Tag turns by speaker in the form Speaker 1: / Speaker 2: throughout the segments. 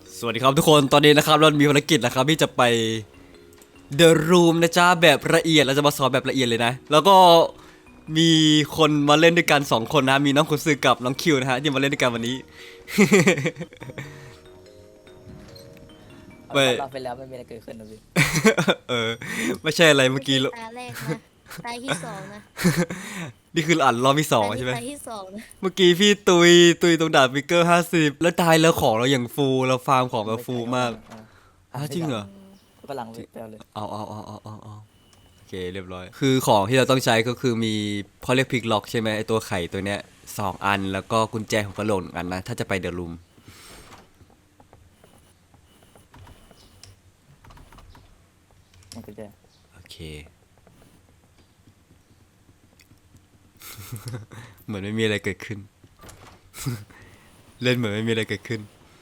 Speaker 1: สวัสดีครับทุกคนตอนนี้นะครับเรามีภารกิจนะครับที่จะไป The Room นะจ๊ะแบบละเอียดเราจะมาสอนแบบละเอียดเลยนะแล้วก็มีคนมาเล่นด้วยกัน2คนนะมีน้องคุณซือกับน้องคิวนะฮะที่มาเล่นด้วยกันวันนี้
Speaker 2: เอา
Speaker 1: ไม่
Speaker 2: เราไปแล้วไม่มีอะไรเกิดขึ้นนะพี่
Speaker 1: เออไม่ใช่อะไรเมื่อกี้
Speaker 3: ไม่ใช่ตาแรกนะตาที่สองนะ
Speaker 1: นี่คืออ่านรอบที่สอง
Speaker 3: ตา
Speaker 1: ใช่ไหม
Speaker 3: ตาที่สองนะ
Speaker 1: เมื่อกี้พี่ตุยตรงดาบฟิกเกอร์50แล้วตายแล้วของเราอย่างฟูเราฟาร์มของเราฟูมากจริงเหรอ
Speaker 2: ฝรั่งเลยไปเอาเลย
Speaker 1: เอาโอเคเรียบร้อยคือของที่เราต้องใช้ก็คือมีเขาเรียกพิกล็อกใช่ไหมไอตัวไข่ตัวเนี้ย2 อันแล้วก็กุญแจของกระโหลก1 อันนะถ้าจะไปเดอะรูม
Speaker 2: มันก็จะ
Speaker 1: โอเค เหมือนไม่มีอะไรเกิดขึ้น เล่นเหมือนไม่มีอะไรเกิดขึ้น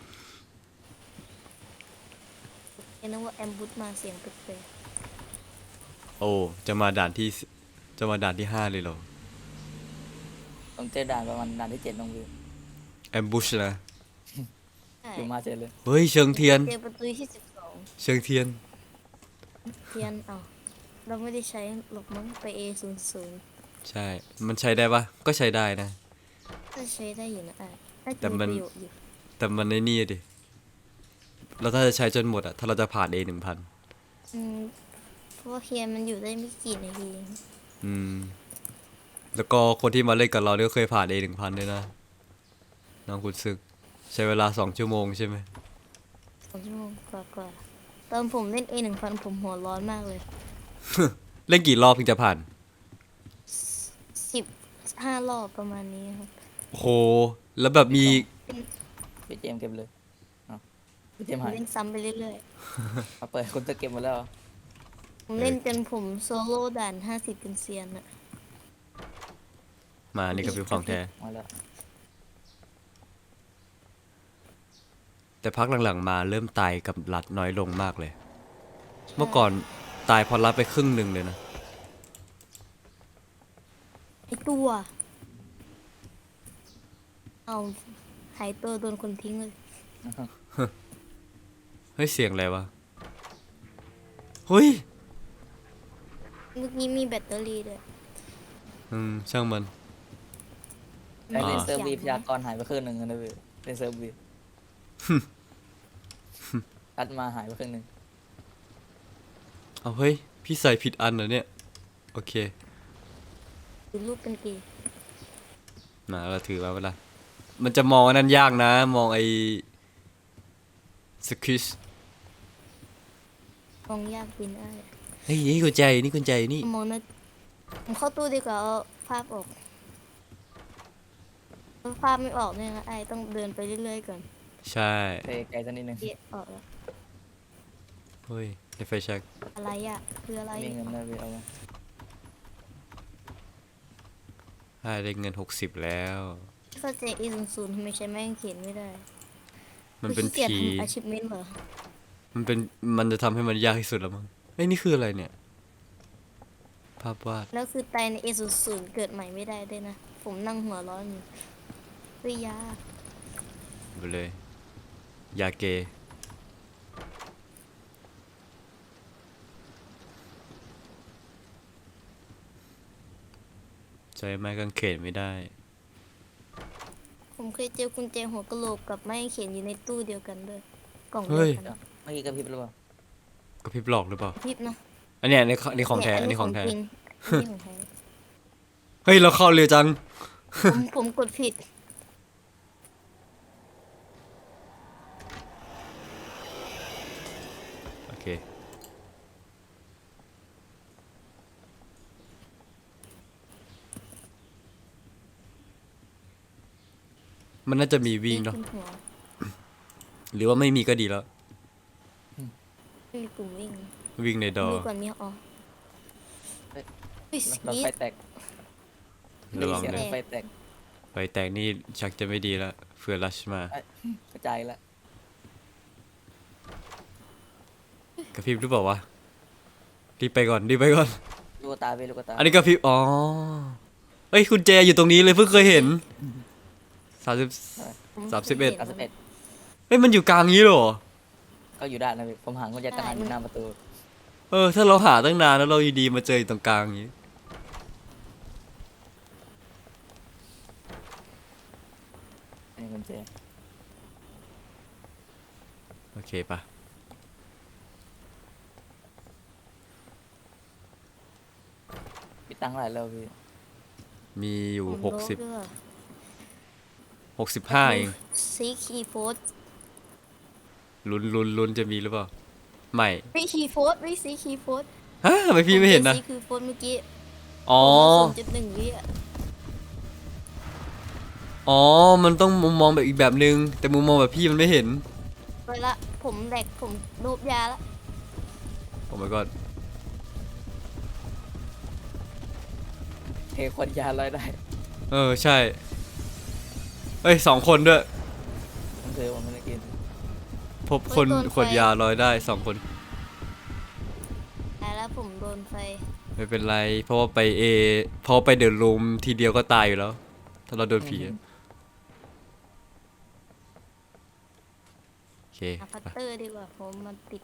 Speaker 3: เห็นว่าแอมบูสมาเสียงแปลก
Speaker 1: โอ้จะมาด่านที่5เลยเหรอ
Speaker 2: ต้องเจอด่านประมาณด่านที่7น้องวิว
Speaker 1: แอมบูชนะ
Speaker 3: ๆใช่
Speaker 2: อยู่มาเจอเลย
Speaker 1: เฮ้ยเชิงเทียน
Speaker 3: เจอประตูที่12
Speaker 1: เชิงเทียน
Speaker 3: เทียนเอาเราไม่ได้ใช้หรอกมั้งไป A00
Speaker 1: ใช่มันใช้ได้ปะก็ใช้ได้นะ
Speaker 3: ก็ใช้ได้อยู่นะน่า
Speaker 1: แต่
Speaker 3: จะมี
Speaker 1: มัน
Speaker 3: ประโยชน์อยู่
Speaker 1: แต่มันในนี่ดิเราถ้าจะใช้จนหมดอะถ้าเราจะผ่าน A1000
Speaker 3: อืมเพราะว่าเทียนมันอยู่ได้ไม่กี่นาทีเอง
Speaker 1: อืมแล้วก็คนที่มาเล่นกับเราเนี่ยก็เคยผ่าน A1000ด้วยนะน้องคุณซึกใช้เวลา2 ชั่วโมงใช่ไหม
Speaker 3: 2 ชั่วโมงกว่าตอนผมเล่น A1000ผมหัวร้อนมากเลย
Speaker 1: เล่นกี่รอบถึงจะผ่าน
Speaker 3: 15 รอบประมาณนี้ครับ
Speaker 1: โหแล้วแบบมี
Speaker 2: พี่เจมส์เก็บเลยเอาพี่เจมส์
Speaker 3: ผม
Speaker 2: หาย
Speaker 3: เล่นซ้ำไปเรื่อย
Speaker 2: เอาเปิดคุณจะเก็บหมดแล้วเหรอ
Speaker 3: ๆผมเล่นจนผมโซโล่ด่าน50เป็นเซียนอะ
Speaker 1: มานี่ก็เป็นของแท้
Speaker 2: มาแล้ว
Speaker 1: แต่พักหลังๆมาเริ่มตายกับหลัดน้อยลงมากเลย เมื่อก่อนตายพอรัดไปครึ่งหนึ่งเลยนะ
Speaker 3: ไอตัวเอาหายตัวโดนคนทิ้งเลย
Speaker 1: เฮ้ยเสียงอะไรวะเฮ้ย
Speaker 3: เมื่อกี้มีแบตเตอรี่ด้วย
Speaker 1: ช่างมัน
Speaker 2: ไอ้
Speaker 1: อ่า
Speaker 2: เล่นเซิร์ฟวีพยากรณ์หายไปครึ่งหนึ่งนะพี่เล่นเซิร์ฟวีอัดมาหายไปครึ่งหนึ่ง
Speaker 1: เอาเฮ้ยพี่ใส่ผิดอันเหรอเนี่ยโอเค
Speaker 3: ดูรูปเป็นเกย์
Speaker 1: นะเราถือไว้เวลามันจะมองอันนั้นยากนะ มองไอ้สควิช
Speaker 3: มองยากกินได้
Speaker 1: เฮ้ยนี่กุญแจนี่กุญแจนี่
Speaker 3: มองนะผมเข้าตู้ดีกว่าเอาภาพออกถ้าภาพไม่ออกเนี่ยนะไอต้องเดินไปเรื่อยๆก่อน
Speaker 1: ใช่
Speaker 2: เตะไกลสักนิดนึง
Speaker 3: เดียออกแล้ว
Speaker 1: เฮ้ยในไฟแช็ก
Speaker 3: อะไรอ่ะคืออะไร
Speaker 2: มีเงินนะพี่เอามา
Speaker 1: ได้เงิน60แล้ว
Speaker 3: เข้าใจA00ทำไมใช้แม่งเขียนไม่ได้
Speaker 1: มันเป็น
Speaker 3: ขี้เกียจ
Speaker 1: ผี
Speaker 3: ทำ achievement เหรอ
Speaker 1: มันจะทำให้มันยากที่สุดแล้วมั้งเฮ้ยนี่คืออะไรเนี่ย ภาพวาด
Speaker 3: แล้วคือตายใน A00เกิดใหม่ไม่ได้ด้วยนะ ผมนั่งหัวร้อนอยู่เฮ้ยยา
Speaker 1: ไปเลย ยาเกใช้ไม้กางเขนไม่ได้
Speaker 3: ผมเคยเจอกุญแจหัวกะโหลกกับไม้เขียนอยู่ในตู้เดียวกันด้วยกล่อง
Speaker 1: เฮ้
Speaker 3: เดีย
Speaker 1: ย
Speaker 3: วกัน
Speaker 2: เมื่อกี้กระพริบหรือเปล่า
Speaker 1: กระพริบหลอกหรือเปล่า
Speaker 3: พริบนะ
Speaker 1: อันเนี้ยนี่ของแท้อันนี้ของแท้
Speaker 3: จริงอันนี้ของแท้
Speaker 1: เฮ้ยเราเข้าเร็วจัง
Speaker 3: ผมกดผิด
Speaker 1: โอเค มันน่าจะมีวิ่งเนาะ
Speaker 3: ขึ้นหัว
Speaker 1: หรือว่าไม่มีก็ดีแล้ว
Speaker 3: ไม่มีปุ่มวิ่ง
Speaker 1: วิ่งในดอ
Speaker 3: มีก่อนมีอ๋อ
Speaker 2: เฮ้ย
Speaker 3: อุ้ย
Speaker 2: หลอด
Speaker 3: สี
Speaker 2: ไฟแตก
Speaker 1: ระวัง
Speaker 2: เสียง
Speaker 1: เลย
Speaker 2: ไฟแตก
Speaker 1: ไฟแตกนี่ชักจะไม่ดีแล้วเฟื่อรัชมา
Speaker 2: กระจายแล้ว
Speaker 1: กระพริบหรือเปล่าวะรีบไปก่อนรีบไปก่อน
Speaker 2: ลูกตาพี่ลูกตา
Speaker 1: อันนี้กระพริบอ๋อเฮ้ยคุณแจอยู่ตรงนี้เลยเพิ่งเคยเห็น30
Speaker 3: ผม
Speaker 1: 31
Speaker 3: ไม่
Speaker 2: 91
Speaker 1: เฮ้ยมันอยู่กลางนี้เหรอ
Speaker 2: ก็อยู่ได้นะพี่ผมหากุญแจกระหันอยู่หน้าประตู
Speaker 1: ถ้าเราหาตั้งนานแล้วเราอยู่ดีมาเจออยู่ตรงกลางอย่างนี้
Speaker 2: นี่กุญแจ
Speaker 1: โอเคปะ
Speaker 2: พี่ตั้งอะไรแล้วพี่
Speaker 1: มีอยู่
Speaker 3: ผมลบด้วย
Speaker 1: 65เอง
Speaker 3: ซีคีโฟส
Speaker 1: ลุ้นจะมีหรือเปล่าไม่
Speaker 3: ไม่คีโฟสไม่ซีคีโฟส
Speaker 1: ฮะทำไมพี่ไม่เห็นนะ
Speaker 3: ซีคีโฟสเมื่อกี้
Speaker 1: อ๋อ
Speaker 3: 0.1 วิอ่ะ
Speaker 1: อ๋อมันต้องมุมมองแบบอีกแบบนึงแต่มุมมองแบบพี่มันไม่เห็น
Speaker 3: ไปละผมแหลกผมโดบยาละ
Speaker 1: โอ้ my god
Speaker 2: เทคนยาลอยได้
Speaker 1: ใช่เอ้ย2 คนด้วย
Speaker 2: ผมซื้อผมไม่ได้กิน
Speaker 1: พบคนขวดยาลอยได้2 คน
Speaker 3: ตายแล้วผมโดนไฟ
Speaker 1: ไม่เป็นไร เพราะว่าไปเพราะว่าไปเดินรูมทีเดียวก็ตายอยู่แล้ว ถ้าเราโดนผีอะโอเค
Speaker 3: อาพัตเตอร์ดีกว่าผมมันติด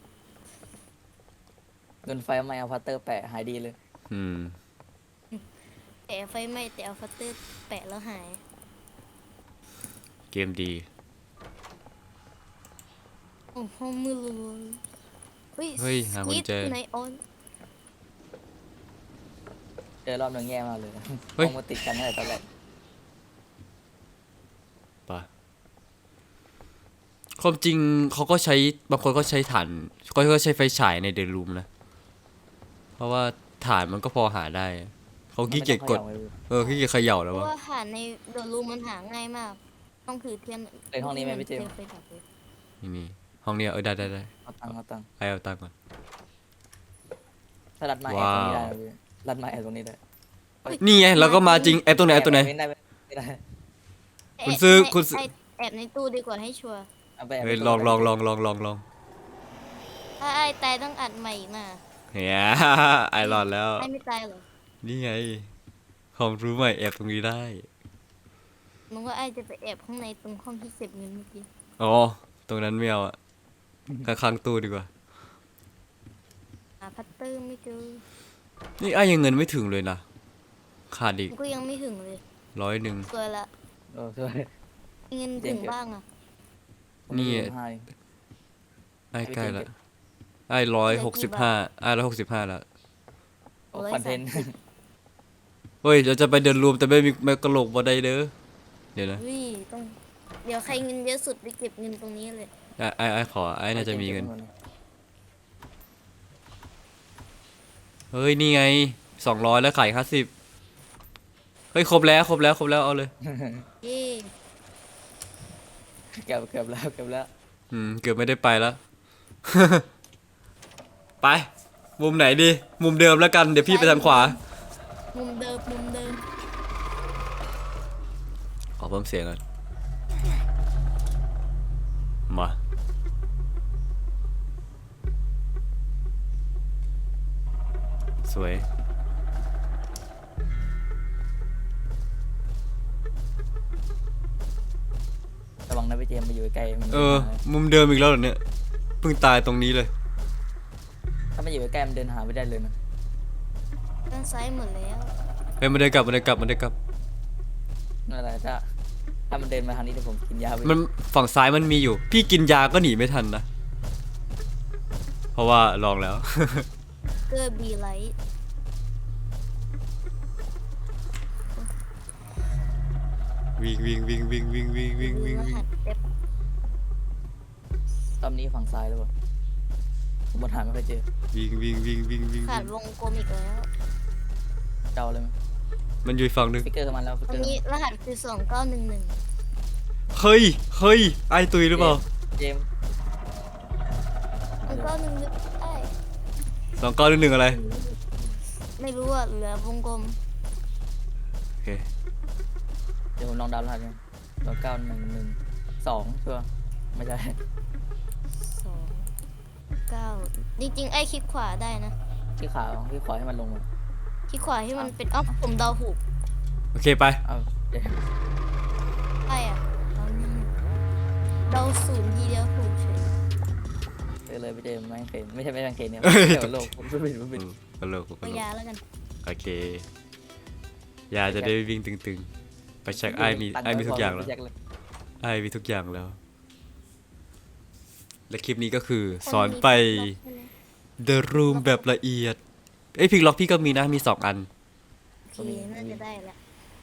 Speaker 2: โดนไฟไหม้เอาพัตเตอร์แปะหายดีเลย
Speaker 1: อืม
Speaker 3: แต่ไฟไหม้แต่เอาพัตเตอร์แปะแล้วหาย
Speaker 1: เกมดี
Speaker 3: โอ้โหมือเลย
Speaker 1: เฮ้ยหากุญแจ
Speaker 3: ในออน
Speaker 2: เจอรอบหนึงแย่มากเลย
Speaker 1: เฮ้ย
Speaker 2: ต้องมาติดกันตั้งแต่ตอนแรก
Speaker 1: ปะความจริงเขาก็ใช้บางคนก็ใช้ถ่านก็ใช้ไฟฉายในเดนรูมนะ เพราะว่าถ่านมันก็พอหาได้ เขาขี้เกียจกด ขี้เกียจเขย่า
Speaker 3: เพ
Speaker 1: แล้ว
Speaker 3: ราะ
Speaker 1: วะ
Speaker 3: ว่าหาในเดอะรูมมันหาง่ายมาก ต้องถือเทียน
Speaker 2: ในห้องนี้ไหมพี่เจมส์
Speaker 3: ไฟดับเลย
Speaker 1: นี่ห้องเนี้ยได้
Speaker 2: เอาตังค์เอาตังค์
Speaker 1: เอาตังค์ก่อน
Speaker 2: ถ้ารัดไม้แอบตรงนี้ได้
Speaker 1: ว้าว
Speaker 2: นะพี่รัดไม้แอบตรงนี้ได้
Speaker 1: นี่ไงเราก็มาจริงแอบตรงไหนแอบตรงไหน
Speaker 2: ไม่ได้ไม่ได้
Speaker 1: คุณซื้อ
Speaker 3: แบ
Speaker 1: คุณซื้อ
Speaker 3: แอบในตู้ดีกว่าให้ชัวร์
Speaker 2: เอาไปแอบ
Speaker 1: เฮ้ย
Speaker 2: ไป
Speaker 1: ลอง
Speaker 2: ตรงนั้น
Speaker 3: ถ้าไอ้ตายต้องอัดใหม่อีกนะ
Speaker 1: เฮีย ไอรอนแล้ว
Speaker 3: ไอ้ไม่ตายเหรอ
Speaker 1: นี่ไงความรู้ใหม่แอบตรงนี้ได้
Speaker 3: มึงว่าไอ้จะไปแอบข้างในตรงห้องที่เก็บเงินเมื่อกี้
Speaker 1: อ๋อ ตรงนั้นไม่เอาอะข้างๆตู้ดีกว่า
Speaker 3: หาพัตเตอร์ไม่เจอ
Speaker 1: นี่ไอ้ยังเงินไม่ถึงเลยนะ ขาดอีก
Speaker 3: ผมก็ยังไม่ถึงเลย
Speaker 1: 100
Speaker 3: สวยละ
Speaker 2: เออช่วย
Speaker 3: เงินถึงบ้างอ่ะ
Speaker 2: ผม
Speaker 1: นี่
Speaker 2: มีอยู่ให้
Speaker 1: ไอ้ใกล้ละไอ้165ไอ้165แล้ว
Speaker 2: โอ้คอนเทนต์
Speaker 1: เฮ้ยเราจะไปเดินรวมแต่ไม่มีไม่กระโหลกบ่ได้เด้อเดี๋ยวนะ
Speaker 3: วิต้องเดี๋ยวใครเงินเยอะสุดไปเก็บเงินตรงนี้เลย
Speaker 1: ไอ้ขอไอ้น่าจะมีเงิน เฮ้ยนี่ไง200แล้วขาย50เฮ้ยครบแล้วเอาเลย
Speaker 3: เย่
Speaker 2: เกือบแล้วเกือบแล้ว
Speaker 1: เกือบไม่ได้ไปแล้ว ไป มุมไหนดี มุมเดิมแล้วกัน เดี๋ยวพี่ไปทางขวา
Speaker 3: มุมเดิม
Speaker 1: ขอเพิ่มเสียงก่อน มา สวย
Speaker 2: ระวังนะพี่เจมส์ไปอยู่ใกล้ๆมัน
Speaker 1: มุมเดิมอีกแล้วเหรอเนี่ย เพิ่งตายตรงนี้เลย
Speaker 2: ถ้าไม่อยู่ใกล้ๆมันเดินหาไม่ได้เลยนะ
Speaker 3: ด้านซ้ายหมดแล้ว
Speaker 1: เฮ้ยมันได้กลับ
Speaker 2: นั่นแหละถ้ามันเดินมาทางนี้เดี๋ยวผมกินยาไป
Speaker 1: มันฝั่งซ้ายมันมีอยู่ พี่กินยาก็หนีไม่ทันนะ เพราะว่าลองแล้ว
Speaker 3: เกอร์บีไลท์
Speaker 1: วิ่ง
Speaker 3: รหัสเต็บ
Speaker 2: รอบนี้ฝั่งซ้ายแล้วป่ะผมบนหาไม่ค่อยเจอ
Speaker 1: วิ่ง
Speaker 3: ขาดวงกลมอีกแล้ว
Speaker 2: เจ้าเลยไหม
Speaker 1: มันอยู่อีกฝั่งหนึง
Speaker 2: ฟิกเกอร์มาแล้วฟิก
Speaker 3: ต
Speaker 2: เก
Speaker 3: ร
Speaker 2: องร์
Speaker 3: นี้รหัสคือ 2911
Speaker 1: เฮ้ย ไอตุยหรือเปล่า
Speaker 2: เจมส์
Speaker 3: 2911ได้
Speaker 1: 2911อะไร
Speaker 3: ไม่รู้อ่ะเหลือวงกลม
Speaker 1: โอเค
Speaker 2: เดี๋ยวผมลองดาวน์รหัสกัน9112ชัวร์ไม่ใช่
Speaker 3: 9จริงๆไอ้คลิกขวาได้นะ
Speaker 2: ที่ขาวที่ขอให้มันลงมา
Speaker 3: คลิกขวาให้มันเป็นผมเดาถูก
Speaker 1: โอเคไป
Speaker 2: เอาเจมส์
Speaker 3: ได้อ่ะเอานี่เดาศูนย์ทีเดียวถูกเฉย
Speaker 2: เจอเลยพี่เจมส์แมงเคนไม่ใช่แมงเคนเนี่ย
Speaker 1: เอ้ย
Speaker 2: เดี๋ยวโลกผมไม่ผิด
Speaker 1: ตลกต
Speaker 3: เอา
Speaker 1: ลก
Speaker 3: ยาแล้วกัน
Speaker 1: โอเคยาจะได้วิ่งตึงๆ ไปเช็คไอ้มีทุกอย่างแล้ว ไอ้มีทุกอย่างแล้ว และคลิปนี้ก็คือสอนไป The Room แบบละเอียด เอ้ยพิกล็อกพี่ก็มีนะมี2 อัน
Speaker 3: โอเคน่าจะได้แล้ว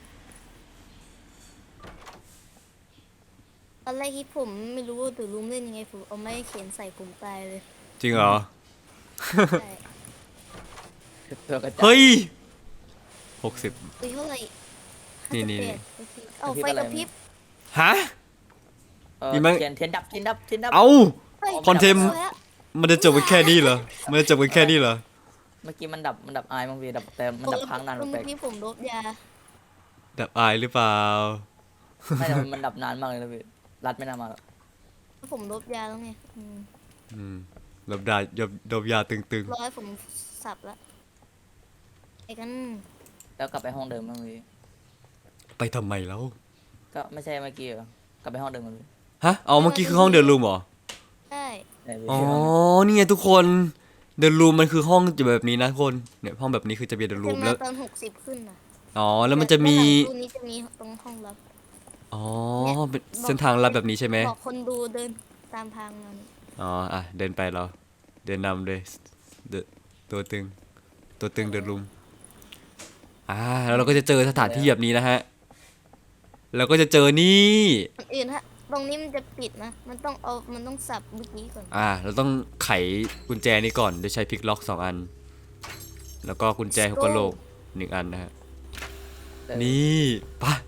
Speaker 3: ตอนแรกที่ผมไม่รู้ว่าตัวลุงเล่นยังไงผมเอาไม้เขียนใส่ผมตายเลย
Speaker 1: จริงเหรอ
Speaker 3: ใช่
Speaker 2: ตัวกระจาย
Speaker 1: เฮ้ย60
Speaker 3: อุ้ยเท่าไหร่
Speaker 1: นี่
Speaker 3: 58โอเคเอาไฟกระพริบ
Speaker 1: ฮะ มีมั้ย
Speaker 2: เทียนดับเทียนดับ
Speaker 1: เอ้า
Speaker 3: เฮ้ย
Speaker 1: คอนเทนต์
Speaker 3: อาแล้ว
Speaker 1: มันจะจบกันแค่นี้เหรอ มันจะจบกันแค่นี้เหรอ
Speaker 2: เมื่อกี้มันดับอายมั้งพี่ดับแต่มันดับค้างนาน
Speaker 3: เมื่
Speaker 2: แปล
Speaker 3: อก กี้ผมลบยา
Speaker 1: ดับอายหรือเปล่า
Speaker 2: ๆไม่แต่มันดับนานมากเลยนะพี่รัดไม่นานมาหรอก
Speaker 3: ผมลบยาแล้วไง
Speaker 1: ลบดาดบยาตึง
Speaker 3: รอให้ผมสับละไอ้กัน
Speaker 2: แล้วกลับไปห้องเดิมมั้งพี่
Speaker 1: ๆ ไปทำไมแล้ว
Speaker 2: ก็ไม่ใช่เมื่อกี้เหรอกลับไปห้องเดิมมั้งพี่
Speaker 1: ฮะ เอาเมื่อกี้คือห้องเดินรูมเหรอ
Speaker 3: ใช่
Speaker 2: ไหนพี่
Speaker 1: อ๋อ นี่ไงทุกคนเดินรูมมันคือห้องจะแบบนี้นะทุกคน เนี่ยห้องแบบนี้คือจะเป็นเดินรู
Speaker 3: ขึ้
Speaker 1: ม
Speaker 3: น
Speaker 1: แล้
Speaker 3: มาว ตอน60ขึ้นนะ
Speaker 1: อ๋อ แล้วมันจะมี
Speaker 3: ตู้นี้จะมีตรงห้องลับ
Speaker 1: อ๋อ เป็นเส้นทางลัดแบบนี้ใช่ไหม
Speaker 3: บอกคนดูเดินตามทางนั้น
Speaker 1: อ๋อ อ่ะ เดินไปเราเดินนำเลยเดนตัวตึง ตัวตึงเดินรูมแล้วเราก็จะเจอสถานที่แบบนี้นะฮะ แล้วก็จะเจอนี่
Speaker 3: คนอื่นฮะตรงนี้มันจะปิดนะมันต้องสับเมื่อกี้ก่อน
Speaker 1: เราต้องไขกุญแจนี้ก่อนโดยใช้พลิกล็อก2 อัน แล้วก็กุญแจหัวกะโหลก1 อันนะฮะ นี่ปะ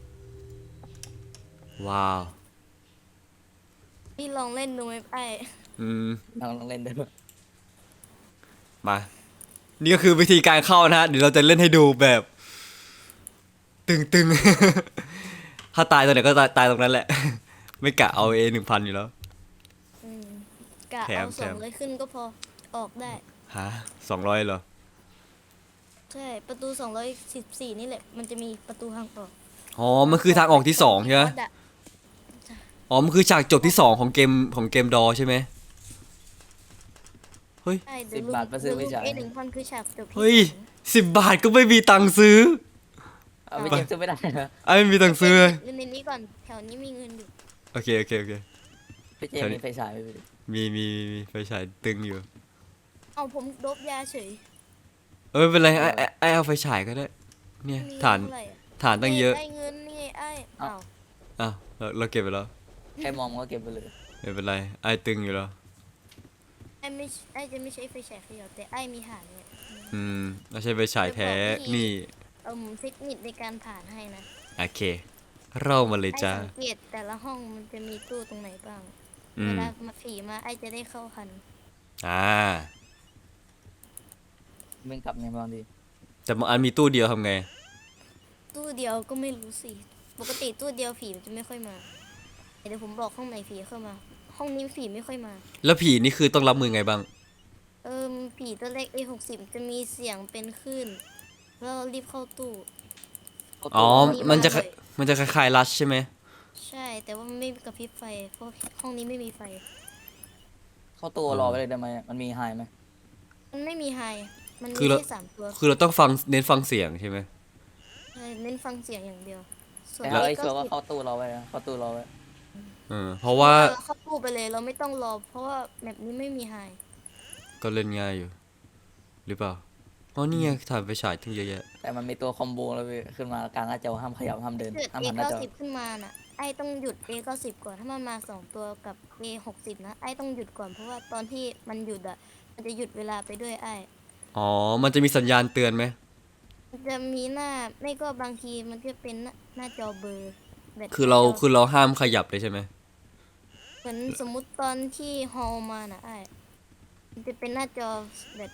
Speaker 1: ว้าว
Speaker 3: พี่ลองเล่นดูไหมไอ้
Speaker 2: ลองเล่นด้วย
Speaker 1: มา นี่ก็คือวิธีการเข้านะฮะ เดี๋ยวเราจะเล่นให้ดูแบบ ตึงๆ ถ้าตายตรงไหนก็ตายตรงนั้นแหละ ไม่กะเอา1,000อยู่แล้ว
Speaker 3: อืมกะ
Speaker 1: แถม
Speaker 3: เอาสองเลยขึ้นก็พอออกได้
Speaker 1: ฮะ200เหรอ
Speaker 3: ใช่ประตู214นี่แหละมันจะมีประตูทางออก
Speaker 1: อ๋อ มันคือทางออกที่2ใช่ไหม
Speaker 3: ดะ
Speaker 1: อ๋อ มันคือฉากจบที่2ของเกมดอใช่ไหม เฮ้ย
Speaker 3: ใช่เดี๋ยวลุงA1000คือฉากจบที่
Speaker 1: เฮ้ย
Speaker 3: สอง
Speaker 1: 10 บาทก็ไม่มีตังค์ซื้อ
Speaker 2: เอาพี่เจมส์ซื้อไม่ได้นะ
Speaker 1: ไม่มีตังค์ซื้อเลย
Speaker 3: เล่นในนี้ก่อนแถวนี้มีเงินอยู่
Speaker 1: โอเค
Speaker 2: พี่เจมส์มีไฟฉายไหมพี่
Speaker 1: มีไฟฉายตึงอยู่
Speaker 3: เอาผมลบยาเฉย
Speaker 1: ไม่เป็นไรไอเอาไฟฉายก็ได้ เนี่ย
Speaker 3: มี
Speaker 1: ฐาน
Speaker 3: เท่ไหร่อะ
Speaker 1: ฐานตั้งเยอะ
Speaker 3: ได้เงินนี่ไงไอ้อ้าว
Speaker 1: อ้าวเราเก็บไปแล้ว
Speaker 2: ใครมองมันก็เก็บไปเลย
Speaker 1: ไม่เป็นไร ไอตึงอยู่แล้ว
Speaker 3: ไอ้จะไม่ใช้ไฟฉายเขย่าแต่ไอ้มีฐานเนี่ย
Speaker 1: เราใช้ไฟฉายแท้ นี่
Speaker 3: เทคนิคในการผ่านให้นะ
Speaker 1: โอเค เล่ามาเลย
Speaker 3: ไอ้
Speaker 1: จ้า
Speaker 3: สังเกตแต่ละห้องมันจะมีตู้ตรงไหนบ้าง
Speaker 1: อื
Speaker 3: เว
Speaker 1: ม
Speaker 3: ลามาผีมาไอ้จะได้เข้าคัน
Speaker 2: มึงกลับไงบางที
Speaker 1: แต่บางอันมีตู้เดียวทำไง
Speaker 3: ตู้เดียวก็ไม่รู้สิปกติตู้เดียวผีมันจะไม่ค่อยมาเดี๋ยวผมบอกห้องไหนผีเข้ามา ห้องนี้ผีไม่ค่อยมา
Speaker 1: แล้วผีนี่คือต้องรับมือไงบ้าง
Speaker 3: ผีตัวเล็ก A60 จะมีเสียงเป็นคลื่นแล้วเรารีบเข้าตู้
Speaker 1: อ๋อ
Speaker 3: มี
Speaker 1: มันจะ
Speaker 3: บ้านด้วย
Speaker 1: มันจะคล้ายๆรัชใช่ไหม
Speaker 3: ใช่แต่ว่ามันไม่กระพริบไฟเพราะห้องนี้ไม่มีไฟ
Speaker 2: เข้าตัวรอไปเลยได้ไหมมันมีไฮไหม
Speaker 3: มันไม่มีไฮมัน
Speaker 1: คื
Speaker 3: มี
Speaker 1: อเรา
Speaker 3: แค่3 ตัว
Speaker 1: คือเราต้องเน้นฟังเสียงใช่ไหม
Speaker 3: ใช่เน้นฟังเสียงอย่างเดียว ส่วน
Speaker 2: แต่ไอ้
Speaker 3: ก็
Speaker 2: ชัวร์ว่าเข้าตู้รอไว้นะเข้าตู้รอไว้
Speaker 1: เพราะว่า
Speaker 3: เราเข้าตู้ไปเลยเราไม่ต้องรอ เพราะว่าแบบนี้ไม่มีไฮ
Speaker 1: ก็เล่นง่ายอยู่ หรือเปล่า อ๋อ นี่ไงถ่านไฟฉายทั้งเยอะแยะ
Speaker 2: แต่มันมีตัวคอมโบแล้วพี่ขึ้นมากลางหน้าจอห้ามขยับห้ามเดิน
Speaker 3: เกิด
Speaker 2: ห้ามหันหน้าจอ
Speaker 3: A90 ขึ้นมาน่ะไอ้ต้องหยุด A90 ก่อนถ้ามันมา2 ตัวกับ A60 นะไอ้ต้องหยุดก่อนเพราะว่าตอนที่มันหยุดอ่ะมันจะหยุดเวลาไปด้วยไอ้
Speaker 1: อ๋อ มันจะมีสัญญาณเตือนไหม
Speaker 3: มันจะมีหน้าไม่ก็บางทีมันจะเป็นหน้าจอเบลอร์แบบ
Speaker 1: คือเราห้ามขยับเลยใช่ไหม
Speaker 3: เหมือนสมมุติตอนที่ฮอลมาน่ะไอ้มันจะเป็นหน้าจอแบบ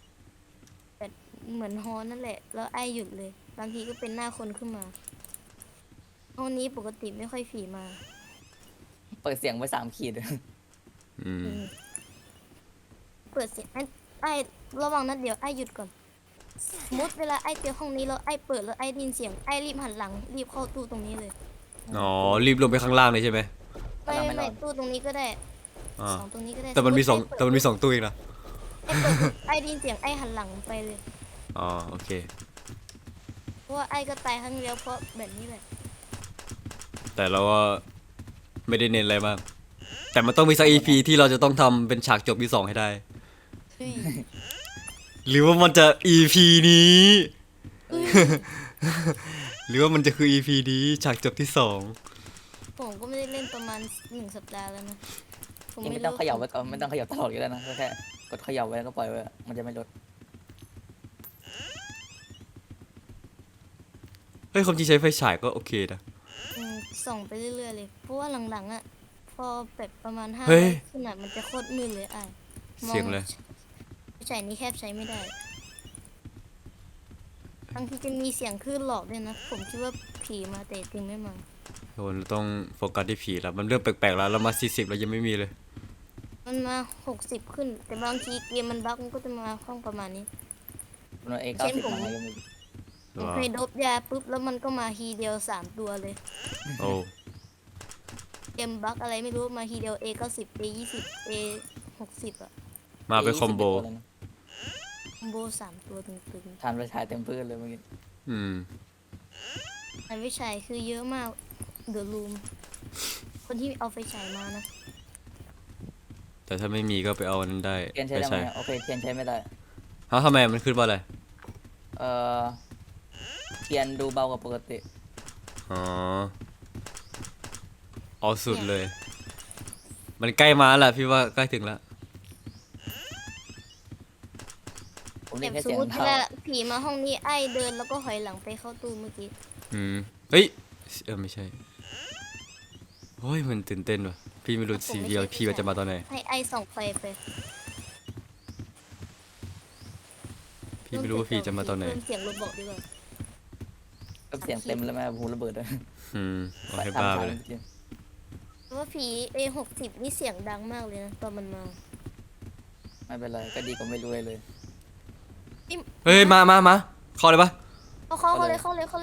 Speaker 3: เหมือนฮอลนั่นแหละแล้วไอ้หยุดเลย บางทีก็เป็นหน้าคนขึ้นมาห้องนี้ปกติไม่ค่อยผีมา
Speaker 2: เปิดเสียงไว้3 ขีด
Speaker 1: อืม
Speaker 3: เปิดเสียงไอ้ระวังนัดเดียวไอ้หยุดก่อนสมมติเวลาไอ้เจอห้องนี้แล้วไอ้เปิดแล้วไอ้ได้ยินเสียงไอ้รีบหันหลังรีบเข้าตู้ตรงนี้เลย
Speaker 1: อ๋อ รีบลงไปข้างล่างเลยใช่ไหม
Speaker 3: ไ
Speaker 2: ถ้าเราไม่ร
Speaker 3: ไม่
Speaker 2: อด
Speaker 3: ตู้ตรงนี้ก็ได้
Speaker 1: อ่า
Speaker 3: สองตรงนี้ก็ได้
Speaker 1: แต่มันมีสอง
Speaker 3: ติ
Speaker 1: แต่มันมีสองตู้เองนะ
Speaker 3: ไอ้ได้ยินเสียงไอ้หันหลังไปเลย
Speaker 1: อ๋อโอเค
Speaker 3: เพราะว่าไอ้ก็ตายครั้งเดียวเพราะแบบนี้แหละ
Speaker 1: แต่เราก็ไม่ได้เน้นอะไรมากแต่มันต้องมีสัก EP ที่เราจะต้องทำเป็นฉากจบที่ 2ให้ได้
Speaker 3: เฮ้ย
Speaker 1: หรือว่ามันจะ EP นี้ หรือว่ามันจะคือ EP นี้ฉากจบที่
Speaker 3: ผมก็ไม่ได้เล่นประมาณ1 สัปดาห์แล้วนะผม
Speaker 2: ยัง
Speaker 3: ไม่
Speaker 2: ไม่ต้อง
Speaker 3: รู้
Speaker 2: เขย่าไว้ก่อนไม่ต้องเขย่าตลอดก็ได้นะแค่กดเขย่าไว้แล้วก็ปล่อยไว้มันจะไม่ลด
Speaker 1: 2เฮ้ยความจริงใช้ไฟฉายก็โอเคนะ
Speaker 3: ส่องไปเรื่อยๆเลย เพราะว่าหลังๆอ่ะ พอแบบประมาณ5
Speaker 1: เฮ้ย
Speaker 3: ขนาดมันจะโคตรมืดเลยไอ้มอ
Speaker 1: เสียงเลย
Speaker 3: ใช้นี้แคบใช้ไม่ได้บางทีจะมีเสียงคลื่นหลอกด้วยนะ ผมคิดว่าผีมาแต่จริงไม่มา
Speaker 1: โอ้เราต้องโฟกัสที่ผีแล้วมันเริ่มแปลกๆแล้วเรามา40แล้วยังไม่มีเลย
Speaker 3: มันมา60ขึ้น แต่บางทีเกมมันบั๊กมันก็จะมาห้องประมาณนี้
Speaker 2: มันเอ
Speaker 3: เช่น
Speaker 2: 90
Speaker 3: ผม
Speaker 2: มายังไม่
Speaker 3: ผมเคยดบยาปุ๊บแล้วมันก็มาทีเดียว3 ตัวเลย
Speaker 1: โอ้
Speaker 3: เกมบั๊กอะไรไม่รู้มาทีเดียว A90 A20 A60 อ่ะ
Speaker 1: มาเป็นคอมโบ
Speaker 3: คอมโบ3 ตัวตึง
Speaker 2: ทานไปฉายเต็มพื้นเลยเมื่อกี้
Speaker 1: อืม
Speaker 3: ๆอันวิชัยคือเยอะมากเดอะรูมคนที่เอาไฟฉายมานะ
Speaker 1: แต่ถ้าไม่มีก็ไปเอาอันนั้นได้
Speaker 2: เทียนใช้ได้ไหมโอเคเทียนใช้ไม่ได้
Speaker 1: ฮะทำไมมันขึ้นว่าอะไร
Speaker 2: เอ่อเทียนดูเบากว่าปกติ
Speaker 1: อ๋อเอาสุดเลย มันใกล้มาแล้วพี่ว่าใกล้ถึงแล้ว
Speaker 2: ผม
Speaker 3: แบ
Speaker 2: เล่น
Speaker 3: บ
Speaker 2: แค่
Speaker 3: สม
Speaker 2: เสียง
Speaker 3: มติ
Speaker 2: เท้า
Speaker 3: เวลาผีมาห้องนี้ไอ้เดินแล้วก็ถอยหลังไปเข้าตู้เมื่อกี้
Speaker 1: อืมเฮ้ยไม่ใช่โอ้ยมันตื่นเต้นว่ะพี่ไม่รู้สีเดียวพี่ว่าจะมาตอนไหน
Speaker 3: ให้ไอ้ส่องไฟไป
Speaker 1: พี่ไม่รู้ว่าพี่จะมาตอนไหน
Speaker 3: เพิ่มเสียงรถบอกดีกว่า
Speaker 2: ก็เสียงเต็มแล้วแม่หูระเบิดเลย
Speaker 1: อืมเอาให้บ้าไปเลย
Speaker 3: เพราะว่าผี A60 นี่เสียงดังมากเลยนะตอนมันมา
Speaker 2: ไม่เป็นไรก็ดีกว่าไม่รู้เลย
Speaker 1: เฮ้ยมาเข้าเลยปะ
Speaker 3: เข้าเลยเข้าเลย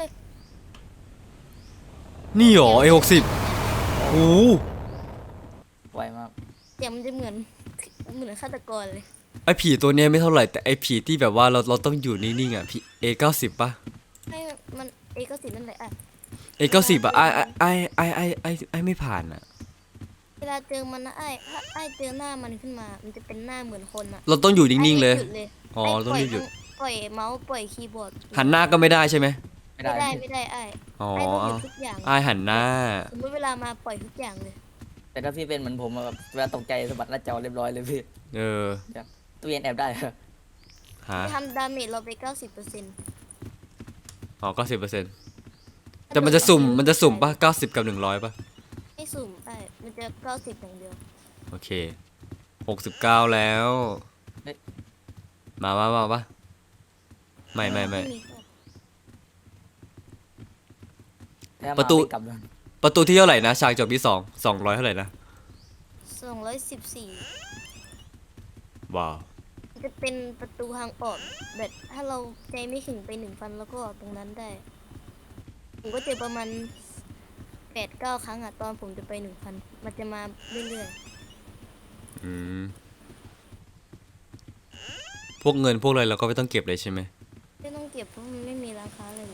Speaker 1: นี่หรอA60โอ้
Speaker 2: ไวมาก
Speaker 3: เสียงมันจะเหมือนฆาตกรเลย
Speaker 1: ไอผีตัวเนี้ยไม่เท่าไหร่แต่ไอผีที่แบบว่าเราต้องอยู่นิ่งๆอ่ะผีA90ปะ
Speaker 3: ให้มัน A90 นั่นแหละอ่ะ
Speaker 1: A90อ่ะไอไม่ผ่านอ่ะ
Speaker 3: เวลาเจอมันนะถ้าไอ้เจอหน้ามันขึ้นมา มันจะเป็นหน้าเหมือนคนอ่ะ
Speaker 1: เราต้องอยู่นิ่งๆเลย
Speaker 3: ไอ้หยุด
Speaker 1: อ๋อ
Speaker 3: ไ
Speaker 1: ต้องรีบหยุด
Speaker 3: ปล่อยเมาส์ปล่อยคีย์บอร์ด
Speaker 1: หันหน้าก็ไม่ได้ใช่ไหม
Speaker 2: ไม่
Speaker 3: ไม่
Speaker 2: ได้
Speaker 3: ได้ไอ้
Speaker 1: อ๋อ
Speaker 3: ไอ้ต้องหยุดทุกอย่าง
Speaker 1: ไอหันหน้า
Speaker 3: สมมติเวลามาปล่อยทุกอย่างเลย
Speaker 2: แต่ถ้าพี่เป็นเหมือนผมอะแบบเวลาตกใจสะบัดหน้าจอเรียบร้อยเลยพี่
Speaker 1: เออ
Speaker 2: ตู้เย็นแอบได้เหรอ
Speaker 1: หา
Speaker 3: ทำดาเมจเราไป 90%
Speaker 1: อ๋อ90%แต่มันจะสุ่มปะ90กับ100ปะ
Speaker 3: ไม่สุ่มไอ้มันจะ90อย่างเดียว
Speaker 1: โอเค69แล้วมาปะไม่
Speaker 2: ถ้ามา
Speaker 1: ประตู
Speaker 2: ไม่กลับเลย
Speaker 1: ประตูที่เท่าไหร่นะฉากจบที่200เท่าไหร่นะ
Speaker 3: 214
Speaker 1: ว้าว
Speaker 3: มันจะเป็นประตูทางออกแบบถ้าเราใจไม่ถึงไป1,000แล้วก็ออกตรงนั้นได้ ผมก็เจอประมาณ8-9 ครั้งอะตอนผมจะไป 1,000 มันจะมาเรื่อย
Speaker 1: อืมพวกเงินพวกอะไรเราก็ไม่ต้องเก็บเลยใช่ไหม
Speaker 3: ๆไม่ต้องเก็บเพราะมันไม่มีราคาเลย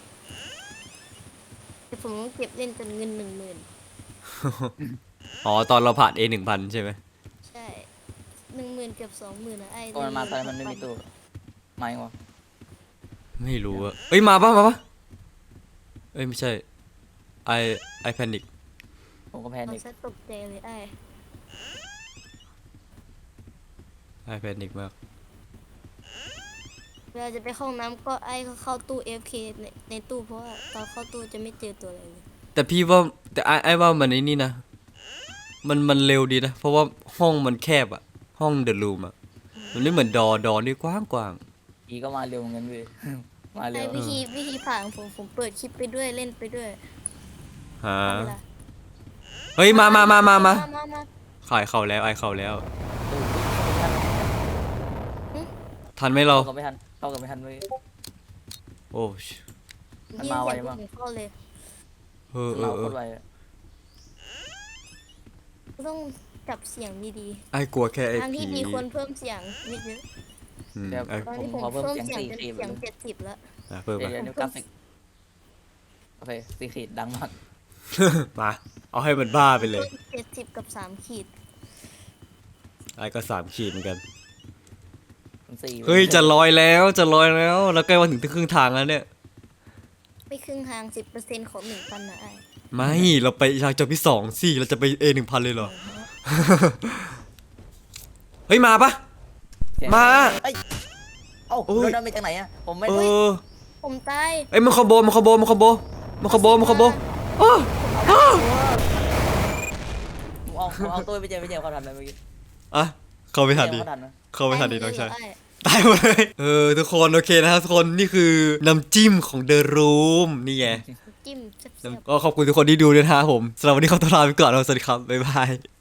Speaker 3: แต่ผมต้องเก็บเล่นจนเงิน 10,000
Speaker 1: อ๋อตอนเราผ่าน A1000 ใช่ไหม
Speaker 3: ใช่ 10,000เกือบ20,000นะไอ้
Speaker 2: ตอนมันมาตอนนั้นมันไม่มีตู้ไม่วะ
Speaker 1: ไม่รู้อะเอ้ยมาปะเอ้ยไม่ใช่ไอแพนิก
Speaker 2: ผมก็แพ
Speaker 3: มัน
Speaker 2: นิค
Speaker 3: ซะตกใจเลยไอ้
Speaker 1: ไอแพนิกมาก
Speaker 3: เวลาจะไปเข้าห้องน้ำก็ไอ้เขาเข้าตู้ FK ในตู้เพราะว่าตอนเข้าตู้จะไม่เจอตัวอะไรเลย
Speaker 1: แต่พี่ว่าแต่ไอว่ามันไอ้นี่นะมันเร็วดีนะเพราะว่าห้องมันแคบอะห้องเดอะรูมอะมันไม่เหมือนดอนี่กว้าง
Speaker 2: อีก็มาเร็วเหมือนกันพี่ มาเร็
Speaker 3: ไอ้
Speaker 2: ว
Speaker 3: วิธีผ่านของผมเปิดคลิปไปด้วยเล่นไปด้วย
Speaker 1: ฮะ
Speaker 3: เวลา
Speaker 1: เฮ้ยมา
Speaker 3: มา
Speaker 1: ขายเข่าแล้วไอเข่าแล้ว ทันไหมเรา
Speaker 2: เข้ากับไม่ทันเข้ากับไม่ทันเลย
Speaker 1: โอ้
Speaker 2: มันมาไวมาก
Speaker 3: เข้าเลย
Speaker 1: เออ
Speaker 2: เราโคตรไวอะ
Speaker 3: ต้องจับเสียงดี
Speaker 1: ไอ้กลัวแค่ไอ้
Speaker 3: ๆทาง
Speaker 1: ผี
Speaker 3: ที่ดีควรเพิ่มเสียงนิดนึง
Speaker 1: อืม
Speaker 2: เดี๋ยว
Speaker 1: ไอ้
Speaker 3: ตอน
Speaker 2: ผม
Speaker 3: นี้ผม
Speaker 2: ขอเพิ่ม
Speaker 3: เพิ่ม
Speaker 2: เสียง
Speaker 3: เสียง
Speaker 2: สี่
Speaker 3: เป็น
Speaker 2: ขีด
Speaker 3: เสียง70แล้ว
Speaker 1: เพิ่ม
Speaker 2: เดี๋
Speaker 1: มา
Speaker 2: ยวดูกราฟิกโอเคสี่ขีดดังมาก
Speaker 1: มาเอาให้มันบ้าไปเลย
Speaker 3: 70กับ3ขีด
Speaker 1: ไอ้ก็3 ขีดเหมือนกัน
Speaker 2: มันสี่
Speaker 1: เฮ้ยจะลอยแล้วจะลอยแล้วแล้วใกล้มาถึงครึ่งทางแล้วเนี่ย
Speaker 3: ไม่ครึ่งทาง 10%ของ1,000นะไอ้
Speaker 1: ไม่เราไปทางจบที่2สิเราจะไป A1000 เลยเหรอ เฮ้ยมาปะ
Speaker 2: เสียง
Speaker 1: มา
Speaker 2: เอ้ยเอ้า
Speaker 1: โอ้ย
Speaker 2: โดนดาเมจจากไหนอะผมไม่
Speaker 1: เอ
Speaker 2: ได้
Speaker 1: อ
Speaker 3: ผมตาย
Speaker 1: เอ้ยมันคอมโบมันคอมโบมันคอมโบมันคอมโบมันคอมโบอ้ออ้อ
Speaker 2: ผมเอาตัวไปเจมเขาทันไหมเมื่อกี้
Speaker 1: อ่ะเข้าไม่ทัน
Speaker 2: เจ
Speaker 1: ดี
Speaker 2: มเขาทันไหม
Speaker 1: เข้าไม่ทันดีน้องชาย
Speaker 3: ไอ้
Speaker 1: ตายหมดเลยทุกคนโอเคนะครับทุกคนนี่คือน้ำจิ้มของ The Room นี่ไง
Speaker 3: จิ้มแซ่บๆ
Speaker 1: ก็ขอบคุณทุกคนที่ดูด้วยนะครับผมสำหรับวันนี้ขอตัวลาไปก่อนแล้วสวัสดีครับบ๊ายบาย